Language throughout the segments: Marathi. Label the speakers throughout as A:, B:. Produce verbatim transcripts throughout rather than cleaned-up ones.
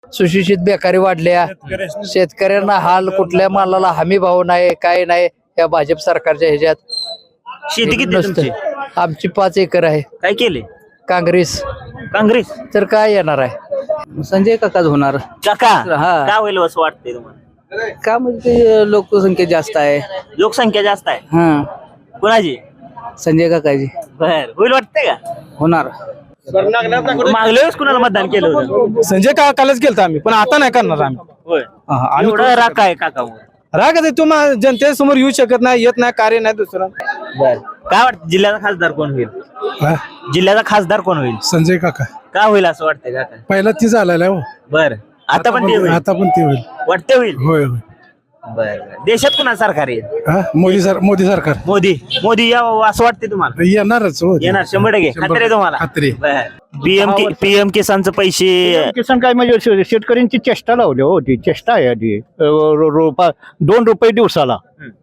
A: सुशिक्षित बेकारी वाढल्या, शेतकऱ्यांना हाल, कुठल्या मालाला हमी भाव नाही, काय नाही या भाजप सरकारच्या ह्याच्यात.
B: शेती किती आहे तुमची?
A: आमची पाच एकर आहे.
B: काय केले?
A: काँग्रेस
B: काँग्रेस
A: तर काय येणार आहे? संजय काकाच होणार.
B: काका
A: हा.
B: काय होईल असं वाटतंय तुम्हाला?
A: का म्हणजे लोकसंख्या जास्त आहे.
B: लोकसंख्या जास्त आहे.
A: हा,
B: कुणाची?
A: संजय काकाजी
B: बर होईल वाटतंय का?
A: होणार.
B: मागल्या वेळेस कुणाला मतदान केलं होतं?
C: संजय काकालाच केलं आम्ही, पण आता नाही करणार आम्ही.
B: होय.
C: आम्ही
B: एवढा राग काय काका?
C: राग आहे तुम्हाला जनतेसमोर येऊ शकत नाही, येत नाही, कार्य नाही दुसरं.
B: बर काय वाटतं जिल्ह्याचा खासदार कोण होईल? जिल्ह्याचा खासदार कोण होईल?
D: संजय काका
B: का होईल असं वाटतंय काका?
D: पहिला ती झालेला हो.
B: बर आता पण ते होईल?
D: आता पण ती होईल.
B: वाटते होईल.
D: होय होय.
B: बर देशात कुणा सरकार येईल?
D: हा, मोदी सर मोदी सरकार
B: मोदी मोदी यावं असं वाटते तुम्हाला?
D: येणारच हो.
B: येणार शंभर टक्के खात्री आहे तुम्हाला?
D: खात्री.
B: पीएम पीएम किसानचे पैसे
E: किसान काय म्हणजे शे- शेतकऱ्यांची चेष्टा लावली हो, ती चेष्टा आहे आधी. रो- रो- रोपा दोन रुपये दिवसाला.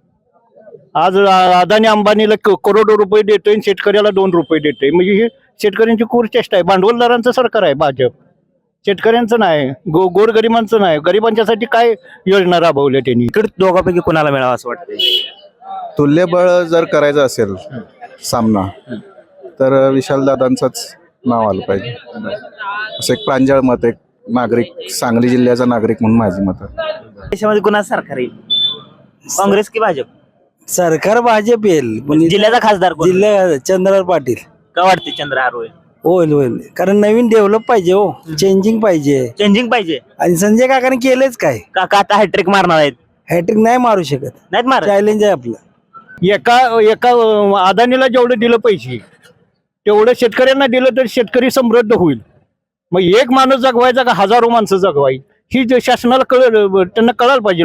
E: आज आ- अदानी अंबानीला क- करोडो रुपये देतोय आणि शेतकऱ्याला दोन रुपये देतोय. म्हणजे ही शेतकऱ्यांची क्रूर चेष्टा आहे. भांडवलदारांचं सरकार आहे भाजप, शेतकऱ्यांचं नाही, गो गोरगरिबांचं नाही. गरिबांच्यासाठी काय योजना राबवल्या त्यांनी?
B: इकडे दोघांपैकी कुणाला मिळावं असं वाटतंय?
F: तुल्यबळ जर करायचं असेल सामना तर विशालदादांचंच नाव आलं पाहिजे. असं एक प्रांजळ मत, एक नागरिक, सांगली जिल्ह्याचा नागरिक म्हणून माझी मत आहे.
B: देशामध्ये कुणा सरकार येईल? काँग्रेस की भाजप?
A: सरकार भाजप येईल.
B: जिल्ह्याचा खासदार कोण?
A: जिल्हा चंद्रराव पाटील.
B: का वाटते चंद्रहार होईल?
A: होईल होईल, कारण नवीन डेव्हलप पाहिजे हो, चेंजिंग पाहिजे.
B: चेंजिंग पाहिजे.
A: आणि संजय काकाने केलंच काय?
B: काका आता हॅट्रिक मारणार आहेत?
A: हॅट्रिक नाही मारू शकत,
B: नाहीत मार.
A: चॅलेंज आहे आपलं.
E: एका एका अं, अदानीला जेवढं दिलं पैसे तेवढं शेतकऱ्यांना दिलं तर शेतकरी समृद्ध होईल. मग एक माणूस जगवायचा का हजारो माणसं जगवाई? ही जे शासनाला कळ त्यांना कळायला पाहिजे.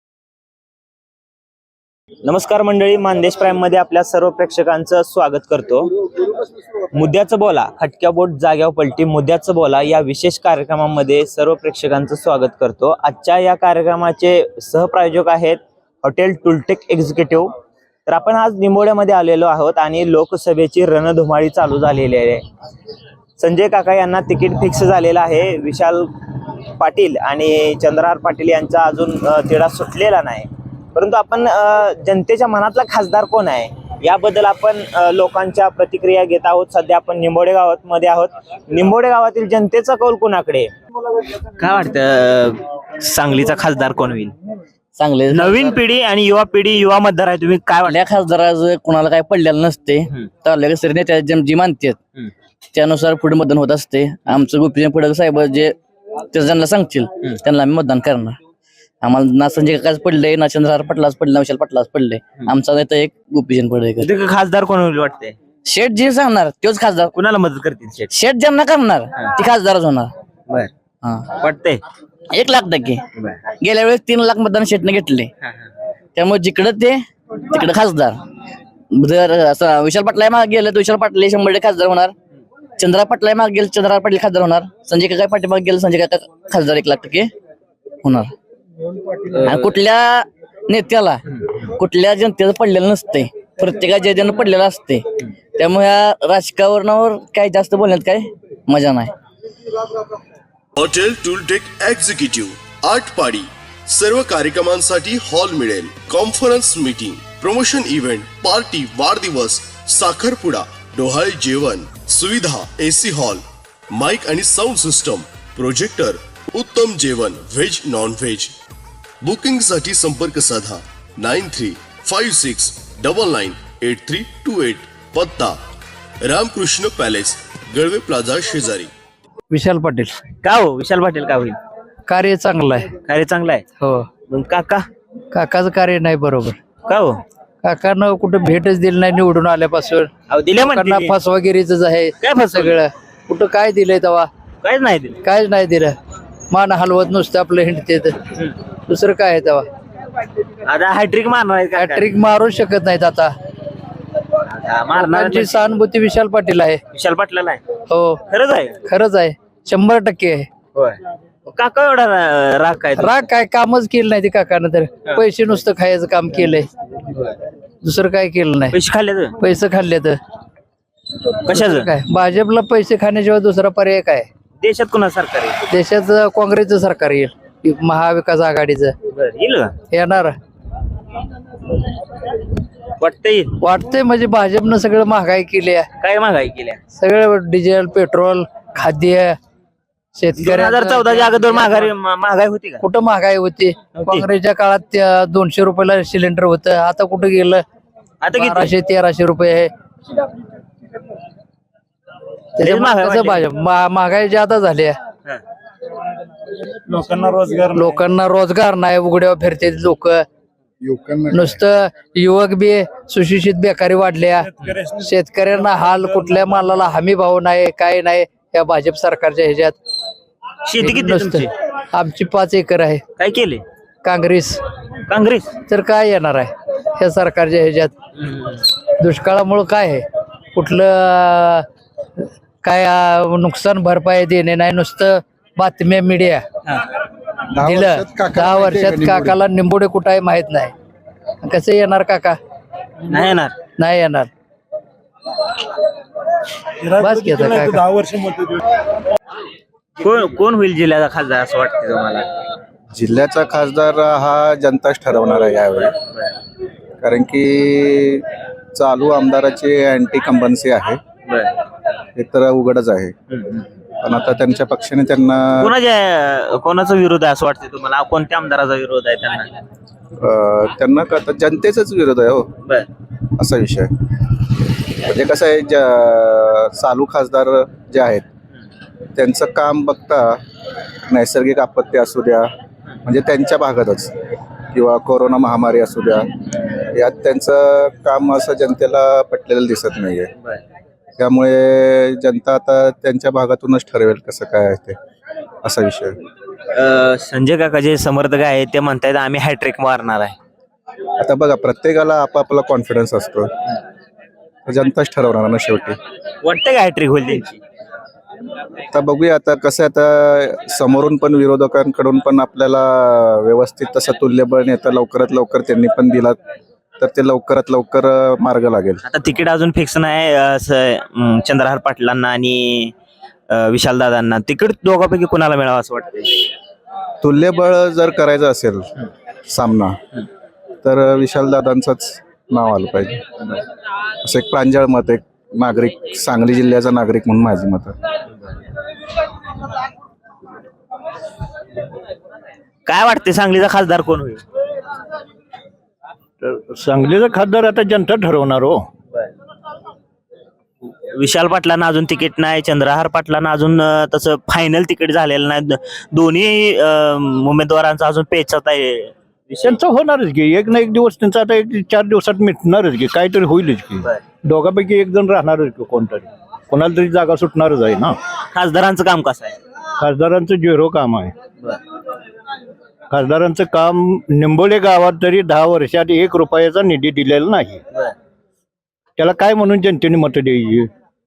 B: नमस्कार मंडळी, मानदेश प्राईम मध्ये आपल्या सर्व प्रेक्षकांचं स्वागत करतो. मुद्द्याचं बोला, खटक्या बोट जाग्यावर पलटी, मुद्द्याचं बोला या विशेष कार्यक्रमामध्ये सर्व प्रेक्षकांचं स्वागत करतो. आजच्या या कार्यक्रमाचे सहप्रायोजक आहेत हॉटेल टुलटेक एक्झिक्युटिव्ह. तर आपण आज निंबोड्यामध्ये आलेलो आहोत आणि लोकसभेची रणधुमाळी चालू झालेली आहे. संजय काका यांना तिकीट फिक्स झालेलं आहे. विशाल पाटील आणि चंद्रहार पाटील यांचा अजून तिढा सुटलेला नाही. परंतु आपण जनतेच्या मनातला खासदार कोण आहे याबद्दल आपण लोकांच्या प्रतिक्रिया घेत आहोत. सध्या आपण निंबोडे गावात मध्ये आहोत. निंबोडे गावातील जनतेचा कौल कोणाकडे? काय वाटतं सांगलीचा खासदार कोण होईल?
A: चांगले
B: नवीन पिढी आणि युवा पिढी, युवा मतदार आहे, तुम्ही काय वाटतं?
A: खासदाराचं कोणाला काय पडलेलं नसते, तर सर नेत्या जी मानतात त्यानुसार पुढे मतदान होत असते. आमचं गोपीचंद पडक साहेब जे ते ज्यांना सांगतील त्यांना आम्ही मतदान करणार. आम्हाला ना संजय काकाच पडले, ना चंद्रहार पाटलाच पडले, ना विशाल पाटलाच पडले. आमचा नेता एक गोपीचंद पडळकर.
B: खासदार कोण होईल वाटते?
A: शेठ जे सांगणार तोच खासदार.
B: कुणाला मदत करतील शेठ?
A: शेठ ज्यांना करणार ती खासदारच होणार.
B: बर
A: हा,
B: वाटतंय
A: एक लाख टक्के. गेल्या वेळेस तीन लाख मतदान शेठने घेतले, त्यामुळे जिकडे ते तिकडे खासदार. जर असं विशाल पाटला मागे गेलं तर विशाल पाटील शंभर टक्के खासदार होणार. चंद्रहार पाटला मागे गेलं चंद्रहार पाटील खासदार होणार. संजय काका पाटील मागे गेलं संजय काका खासदार एक लाख टक्के होणार. आणि कुठल्या नेत्याला कुठल्या जनतेचं पडलेलं नसते, प्रत्येकाच्या जन पडलेलं असते. त्यामुळे या राजकारणावर काही जास्त बोलण्यात काय मजा नाही.
G: हॉटेल टूलटेक एक्झिक्युटिव्ह आटपाडी. सर्व कार्यक्रमांसाठी हॉल मिळेल. Conference meeting, promotion event, party, वाढदिवस, साखरपुडा, डोहाळे जेवण, सुविधा, एसी हॉल, माइक आणि साऊंड सिस्टम, प्रोजेक्टर, उत्तम जेवण, व्हेज नॉन व्हेज. बुकिंग साठी संपर्क साधा nine three five six double nine eight three two eight. पत्ता रामकृष्ण पॅलेस, गळवे प्लाझा शेजारी.
A: विशाल पाटील.
B: का हो विशाल पाटील का होईल?
A: कार्य चांगलं आहे.
B: कार्य चांगलं आहे.
A: हो.
B: मग काका?
A: काकाचं कार्य नाही बरोबर.
B: का हो?
A: काकानं कुठं भेटच दिली नाही निवडून आल्यापासून.
B: अहो दिल्या
A: काकांना फसवागिरीच आहे
B: काय फसवलं?
A: सगळं. कुठं काय दिलंय तेव्हा?
B: काहीच नाही दिलं.
A: कायच नाही दिलं. मान हलवत नुसतं आपलं हिंडते, दुसरं काय आहे तेव्हा?
B: आता हॅट्रिक मारणार आहे का?
A: हॅट्रिक मारू शकत नाहीत आता.
B: आता मारणार
A: लोकांची सहानुभूती विशाल पाटील आहे.
B: विशाल पाटलाला आहे.
A: हो,
B: खरंच आहे.
A: खरंच आहे, शंभर टक्के आहे.
B: होय. काका एवढा रा- राग काय?
A: राग काय? कामच केलं नाही ते काकानं. तर पैसे नुसतं खायचं काम केलंय, दुसरं काय केलं नाही.
B: पैसे खाल्ले तर
A: पैसे खाल्ले तर
B: कशाचं
A: काय? भाजपला पैसे खाण्याशिवाय दुसरा पर्याय काय?
B: देशात कुणा सरकार आहे?
H: देशात काँग्रेसचं सरकार येईल, महाविकास आघाडीचं
B: बरं, येईल का?
H: येणार.
B: वाटतं येईल.
H: वाटतंय म्हणजे भाजपनं सगळं महागाई केली आहे,
B: काय महागाई केल्या?
H: सगळं डिझेल, पेट्रोल, खाद्य,
B: दोन हजार
H: शेतकऱ्यांना
B: चौदाच्या अगोदर महागाई महागाई होती का?
H: कुठं महागाई होती? काँग्रेसच्या काळात त्या दोनशे रुपयाला सिलेंडर होतं, आता कुठं गेलं?
B: आता किती?
H: बाराशे तेराशे रुपये आहे. त्याच्यामुळे
B: महागाई
H: कसं
B: वाढली.
H: भाजप मा- महागाई जादा झाली आहे.
B: हा.
D: लोकांना रोजगार
H: लोकांना रोजगार नाही, उघड्यावर फिरते लोक.
D: युवकांना
H: नुसतं युवक बी सुशिक्षित बेकारी वाढल्या, शेतकऱ्यांना हाल, कुठल्या मालाला हमी भाव नाही, काय नाही या भाजप सरकारच्या ह्याच्यात.
B: शेती किती आहे तुमची?
H: नुसतं आमची पाच एकर आहे.
B: काय केले
H: काँग्रेस
B: काँग्रेस?
H: तर काय येणार आहे या सरकारच्या ह्याच्यात? दुष्काळामुळं काय आहे, कुठलं काय अं, नुकसान भरपाई देणे नाही, नुसतं बातम्या मीडिया दिलं. दहा वर्षात काकाला निंबोडे कुठं आहे माहित नाही. कसं येणार काका?
B: नाही येणार.
H: नाही येणार. बस घेता काका.
D: दहा वर्ष
B: कोण कोण होईल जिल्ह्याचा खासदार असं वाटतं तुम्हाला?
F: जिल्ह्याचा खासदार हा जनताच ठरवणार आहे यावेळी, कारण की चालू आमदाराची अँटी कंबन्सी आहे हे तर उघडच आहे. पण आता त्यांच्या पक्षाने त्यांना
B: कोणाच्या कोणाचा विरोध आहे असं वाटतं तुम्हाला? कोणत्या आमदाराचा विरोध आहे त्यांना?
F: अं, त्यांना का आता जनतेचाच विरोध आहे हो,
B: बर.
F: असा विषय. म्हणजे कसं आहे, ज- चालू खासदार जे आहेत त्यांचं काम बघता नैसर्गिक आपत्ती असू द्या, म्हणजे त्यांच्या भागातच, किंवा कोरोना महामारी असू द्या, यात त्यांचं काम असं जनतेला पटलेलं दिसत नाहीये. त्यामुळे जनता आता त्यांच्या भागातूनच ठरवेल कसं काय आहे ते, असा विषय.
B: अं, संजय काका जे समर्थक आहेत ते म्हणतायत आम्ही हॅट्रिक मारणार आहे.
F: आता बघा, प्रत्येकाला आपापला कॉन्फिडन्स असतो, तर जनताच ठरवणार ना शेवटी.
B: वाटतं का हॅट्रिक होईल त्यांची?
F: आता बघूया, आता कसं आहे, आता समोरून पण विरोधकांकडून पण आपल्याला व्यवस्थित तसं तुल्यबळ नेता लवकरात लवकर त्यांनी पण दिला तर ते लवकरात लवकर मार्ग लागेल.
B: आता तिकीट अजून फिक्स नाही असं अं, चंद्रहार पाटलांना आणि विशाल दादांना. तिकीट दोघांपैकी कुणाला मिळावं असं वाटतंय?
F: तुल्यबळ जर करायचं असेल सामना तर विशाल दादांचंच नाव आलं पाहिजे, असं एक प्रांजळ मत, एक नागरिक, सांगली जिल्ह्याचा नागरिक म्हणून माझी मत आहे.
B: काय वाटते सांगलीचा खासदार कोण होईल?
E: सांगलीचा खासदार आता जनता ठरवणार हो.
B: विशाल पाटलांना अजून तिकीट नाही, चंद्रहार पाटलांना अजून अं, तसं फायनल तिकीट झालेलं नाही. दोन्ही अं, उमेदवारांचा अजून पेचात आहे.
E: त्यांचं होणारच की, एक ना एक दिवस त्यांचा आता एक चार दिवसात मिटणारच की, काहीतरी होईलच की. दोघांपैकी एक जण राहणारच की, कोणतरी कोणाला तरी जागा सुटणारच आहे ना.
B: खासदारांचं काम कसं आहे?
E: खासदारांचं झिरो काम आहे. खासदारांचं काम निंबोले गावात तरी दहा वर्षात एक रुपयाचा निधी दिलेला नाही. त्याला काय म्हणून जनतेने मतं द्यायची?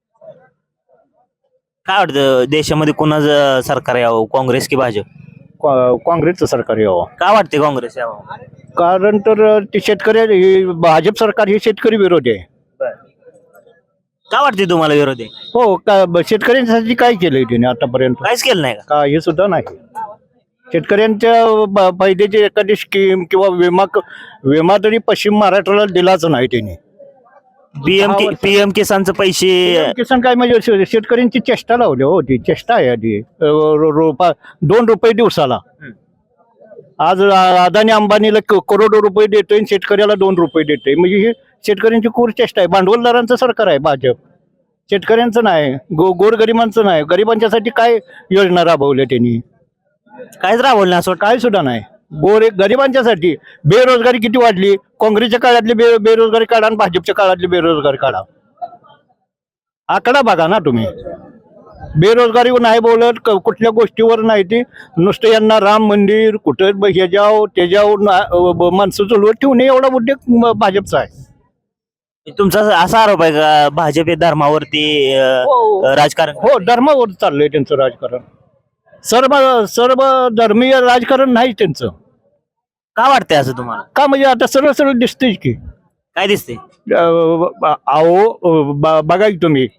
B: काय वाटतं देशामध्ये कोणाचं सरकार यावं, काँग्रेस की भाजप?
E: का- काँग्रेसचं सरकार यावं.
B: काय वाटते काँग्रेस यावं?
E: कारण तर ते शेतकरी हे भाजप सरकार हे शेतकरी विरोधी आहे.
B: काय वाटते तुम्हाला विरोधी?
E: हो, का ब- शेतकऱ्यांसाठी काय केलंय त्याने आतापर्यंत?
B: काहीच केलं नाही का?
E: काही सुद्धा नाही. शेतकऱ्यांच्या ब- फायद्याची एखादी स्कीम किंवा विमा क- विमा तरी पश्चिम महाराष्ट्राला दिलाच नाही त्यांनी.
B: पीएम पीएम किसानचे पैसे
E: किसान काय म्हणजे शे- शेतकऱ्यांची चेष्टा लावली हो, ती चेष्टा आहे आधी. रो- रो- रोपा दोन रुपये दिवसाला. आज आ- अदानी अंबानीला क- करोडो रुपये देतोय आणि शेतकऱ्याला दोन रुपये देतोय. म्हणजे ही शेतकऱ्यांची क्रूर चेष्टा आहे. भांडवलदारांचं सरकार आहे भाजप, शेतकऱ्यांचं नाही, गो गोरगरिबांचं नाही. गरिबांच्यासाठी काय योजना राबवल्या त्यांनी?
B: काहीच राबवलं नाही असं वाटतं.
E: काय सुद्धा नाही. गोर गरिबांच्यासाठी बेरोजगारी किती वाढली. काँग्रेसच्या काळातली बे बेरोजगारी काढा आणि भाजपच्या काळातली बेरोजगारी काढा. आकडा बघा ना तुम्ही. बेरोजगारी नाही बोलत, क- कुठल्या गोष्टीवर नाही. ती नुसतं यांना राम मंदिर कुठं ब- हे जाव ते जाव ना- ब- माणसं चलवत ठेवणे एवढा उद्योग म- भाजपचा आहे.
B: तुमचा असा आरोप आहे का भाजप हे धर्मावरती अं, राजकारण?
E: हो, धर्मावर चाललंय त्यांचं राजकारण. सर्व सर्व धर्मीय राजकारण नाही त्यांचं.
B: का वाटतंय असं तुम्हाला?
E: का म्हणजे आता सरळ सरळ दिसतेच की.
B: काय दिसते?
E: अ, अहो, ब- बघा की तुम्ही,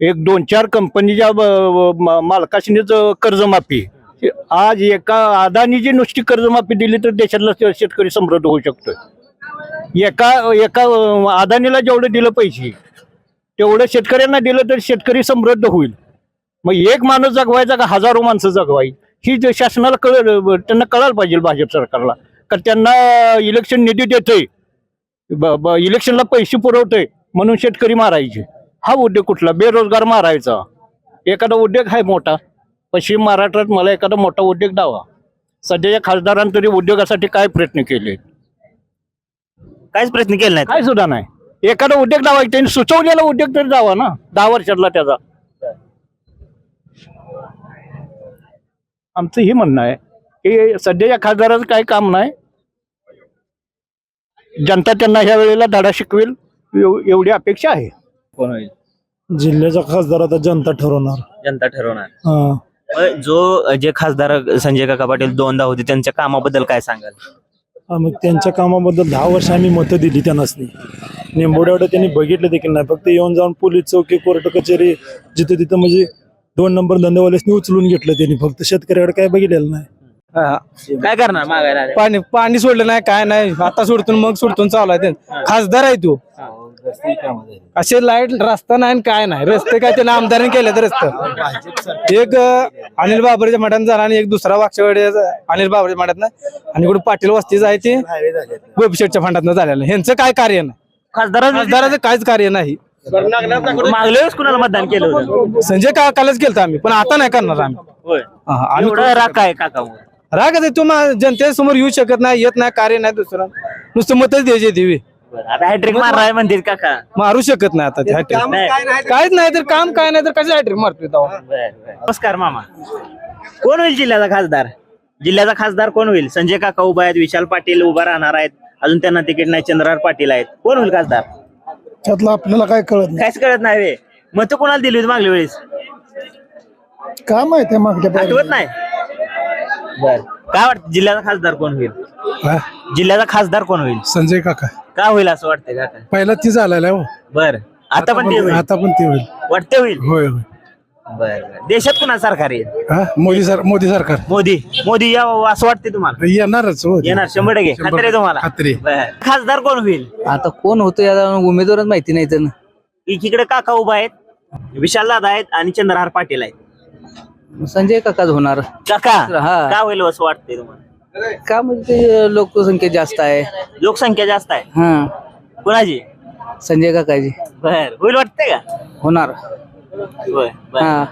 E: एक दोन चार कंपनीच्या ब- ब- मालकाशीनेच कर्जमाफी. आज एका अदानीची नुसती कर्जमाफी दिली तर देशातला शे- शेतकरी समृद्ध होऊ शकतोय. एका एका अदानीला जेवढं दिलं पैसे तेवढं शेतकऱ्यांना दिलं तर शेतकरी समृद्ध होईल. मग एक माणूस जगवायचा का हजारो माणसं जगवायची ही जे शासनाला कळ त्यांना कळायला पाहिजे भाजप सरकारला. कारण त्यांना इलेक्शन निधी देतोय, ब- ब- इलेक्शनला पैसे पुरवतोय म्हणून शेतकरी मारायचे. हा उद्योग कुठला? बेरोजगार मारायचा. एखादा उद्योग आहे मोठा पश्चिम महाराष्ट्रात, मला एखादा मोठा उद्योग दावा. सध्याच्या खासदारांनी तरी उद्योगासाठी काय प्रयत्न केले?
B: काहीच प्रयत्न केले नाहीत.
E: काय सुद्धा नाही. एखादा उद्योग दावा त्यांनी सुचवलेला उद्योग तरी दावा ना, दहा वर्षातला त्याचा. आमचं हे म्हणणं आहे की सध्याच्या खासदाराचं काही काम नाही. जनता त्यांना ह्या वेळेला धडा शिकवेल एव- एवढी अपेक्षा आहे.
B: कोण होईल?
D: जिल्ह्याचा खासदार आता जनता ठरवणार.
B: जनता ठरवणार.
D: हा.
B: मग जो जे खासदार संजय काका पाटील दोनदा होते त्यांच्या कामाबद्दल काय सांगाल?
D: हा, मग त्यांच्या कामाबद्दल दहा वर्ष आम्ही मतं दिली त्यांनाच नाही. निंबोड्यावर त्यांनी बघितलं देखील नाही. फक्त येऊन जाऊन पोलीस चौकी कोर्ट कचेरी जिथं तिथं म्हणजे दोन नंबर धंदेवाल्यासनी उचलून घेतलं त्यांनी. फक्त शेतकऱ्याकडे काय बघितलेलं नाही.
B: काय करणार मागायला आले?
C: पाणी पाणी सोडलं नाही काय नाही. आता सोडतून मग सोडतून चालू आहे ते. खासदार आहे तू. असे लाईट रस्ता नाही आणि काय नाही. रस्ते काय त्याने आमदारांनी केले तर रस्ते एक अं, अनिल बाबरच्या मठात झाला आणि एक दुसरा वाक्षवाडी अनिल बाबरच्या मठात नाही आणि कुठे पाटील वस्तीच आहे ते गोपीशेठच्या फंडात झालेलं. ह्यांचं काय कार्य नाही.
B: खासदार
C: खासदाराचं काहीच कार्य नाही.
B: मागल्या वेळेस कुणाला मतदान केलं होतं?
C: संजय काकालाच केलं आम्ही, पण आता नाही करणार आम्ही.
B: होय.
C: हा, आम्ही
B: एवढा राग काय काका?
C: राग आहे तू मा- जनतेसमोर येऊ शकत नाही, येत नाही, कार्य नाही दुसरं. नुसतं मतच द्यायचे देवी
B: आता हॅट्रिक मारणार म्हणते काका.
C: मारू शकत नाही आता ते hat-trick. काहीच नाही तर काम काय नाही तर कसं हॅट्रिक मारतोय तेव्हा?
B: नमस्कार मामा. कोण होईल जिल्ह्याचा खासदार? जिल्ह्याचा खासदार कोण होईल? संजय काका उभा आहेत, विशाल पाटील उभा राहणार आहेत, अजून त्यांना तिकीट नाही, चंद्रहार पाटील आहेत. कोण होईल खासदार?
D: त्यातलं आपल्याला काय कळत
B: काहीच कळत नाही वे. मत कोणाला दिली होती मागल्या वेळेस?
D: नाही. काय माहिती मागच्या
B: आठवत नाही. बर, काय वाटतं जिल्ह्याचा खासदार कोण होईल? जिल्ह्याचा खासदार कोण होईल?
D: संजय काका
B: का होईल असं वाटतंय काका?
D: पहिला ती झालेला हो.
B: बर, आता पण ते होईल?
D: आता पण ते होईल.
B: वाटते होईल.
D: होय होय.
B: बर, देशात कुणा सरकार येईल?
D: हा मोदी सर मोदी सरकार
B: मोदी. मोदी यावं असं वाटते तुम्हाला?
D: येणारच हो.
B: येणार शंभर टक्के खात्री आहे तुम्हाला?
D: खात्री.
B: बर, खासदार कोण होईल?
H: आता कोण होतं याला उमेदवारच माहिती नाही तर.
B: एकीकडे काका उभा आहेत, विशाल दादा आहेत आणि चंद्रहार पाटील आहेत.
H: संजय काकाच होणार.
B: काका
H: हा.
B: का होईल असं वाटतंय तुम्हाला?
H: का म्हणजे ते लोकसंख्या जास्त आहे.
B: लोकसंख्या जास्त आहे.
H: हा,
B: कुणाची?
H: संजय काकाजी
B: बर, होईल वाटतंय का?
H: होणार.
B: बर, बर.
H: हा,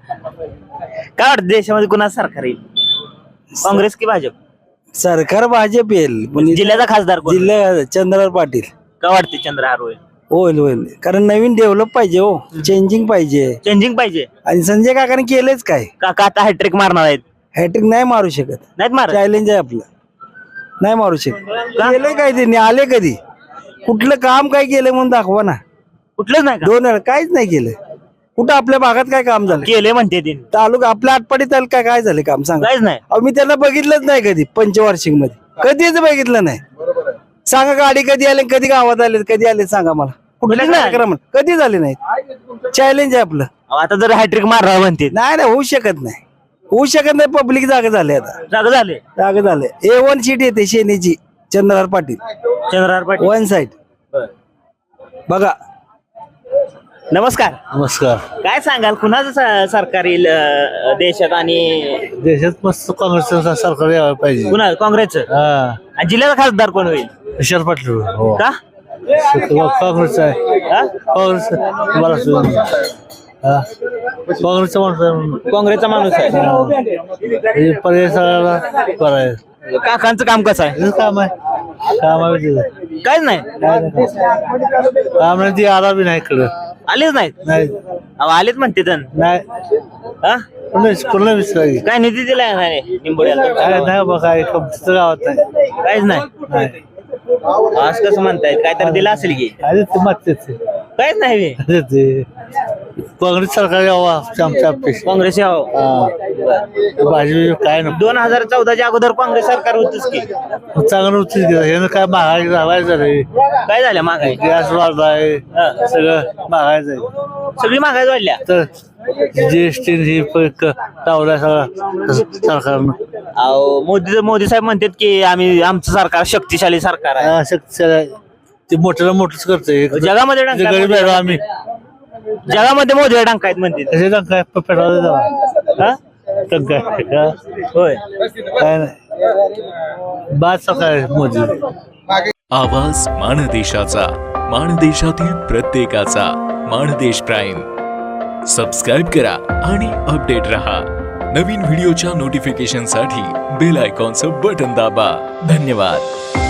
B: काय वाटतं देशामध्ये कुणा सरकार येईल? काँग्रेस की भाजप?
C: सरकार भाजप येईल, पण
B: जिल्ह्याचा खासदार कोण?
C: जिल्हा चंद्रहार पाटील
B: का वाटते चंद्रहार होईल?
C: होईल होईल. कारण नवीन डेव्हलप पाहिजे हो, चेंजिंग पाहिजे.
B: चेंजिंग पाहिजे.
C: आणि संजय काकाने केलंच काय?
B: काका आता हॅट्रिक मारणार आहेत.
C: हॅट्रिक नाही मारू शकत.
B: नाहीत मार.
C: चॅलेंज आहे आपलं, नाही मारू शकत. केलंय काय त्यांनी? आले कधी? कुठलं काम काय केलं म्हणून दाखवा ना.
B: कुठलंच नाही का?
C: दोन वेळा काहीच नाही केलं. कुठं आपल्या भागात काय काम झालं?
B: केले म्हणते ते.
C: तालुका आपल्या आटपाडी तालुका काय झालं काम सांगा?
B: काहीच नाही.
C: अहो मी त्यांना बघितलंच नाही कधी पंचवार्षिक मध्ये, कधीच बघितलं नाही. सांगा गाडी कधी आले, कधी गावात आले, कधी आले सांगा मला. कुठल्या
B: नाही.
C: कार्यक्रमात कधी झाले नाहीत. चॅलेंज आहे आपलं.
B: अहो, आता जर हॅट्रिक मारणार म्हणते.
C: नाही नाही होऊ शकत नाही, होऊ शकत नाही. पब्लिक जागा झाले, आता
B: जागा झाले.
C: जागा झाले. ए वन सीट येते शेनीची, चंद्रहार पाटील
B: चंद्रहार पाटील
C: वन साइड. बघा.
B: नमस्कार.
C: नमस्कार.
B: काय सांगाल कुणाचं स- सरकार येईल अं, देशात आणि
C: देशात मस्त काँग्रेसचं सरकार यायला पाहिजे.
B: कुणा? काँग्रेसचं. आणि जिल्ह्याचा खासदार कोण होईल?
C: विशाल पाटील.
B: का?
C: काँग्रेस आहे.
B: हा?
C: काँग्रेस काँग्रेसचा माणूस
B: काँग्रेसचा माणूस आहे.
C: पर्याय सगळ्याला बरं आहे.
B: काकांचं काम कसं आहे?
C: काम आहे, काम आहे.
B: काहीच नाही.
C: काम नाही ती आला बी नाही इकडं.
B: आलेच नाहीत.
C: नाही
B: अहो, आलेच म्हणते तर.
C: नाही
B: हा?
C: कोणा विचारायची
B: काय निधी दिलाय नाही निंबोड्याला?
C: काय नाही बघा, कंपनीचं गावात नाही.
B: काहीच नाही. आज कसं म्हणतायत? काय तर दिलं असेल की?
C: अरे ते मागतेच
B: काहीच नाही बे.
C: ते
E: काँग्रेस सरकार यावं आमच्या अपेक्षा
B: काँग्रेस यावं
E: भाजी काय
B: दोन हजार चौदाच्या अगोदर काँग्रेस सरकार होतच की
E: चांगलं होतं हे काय महागाई लावायचं रे
B: काय झालं महागाई
E: गॅस वाढलाय सगळं महागायचं आहे
B: सगळी महागाई वाढल्या
E: तर जीएसटी ही लावलाय सगळं सरकारनं
B: अहो मोदी मोदी साहेब म्हणतात की आम्ही आमचं सरकार शक्तिशाली सरकार आहे
E: हा, शक्ती ते मोठ्याला मोठंच करतंय
B: जगामध्ये डंका
E: गरीब आहे आम्ही
B: जगामध्ये मोदी डंका आहेत म्हणतात
E: कसे काय पेट्रोल
B: हा?
E: काय
B: होय
E: काय नाही बाद सकाळ मोदी
I: आवाज माणदेशाचा माणदेशातील प्रत्येकाचा माणदेश प्राईम सबस्क्राईब करा आणि अपडेट रहा नवीन व्हिडिओच्या नोटिफिकेशनसाठी बेल आयकॉनचं बटन दाबा धन्यवाद.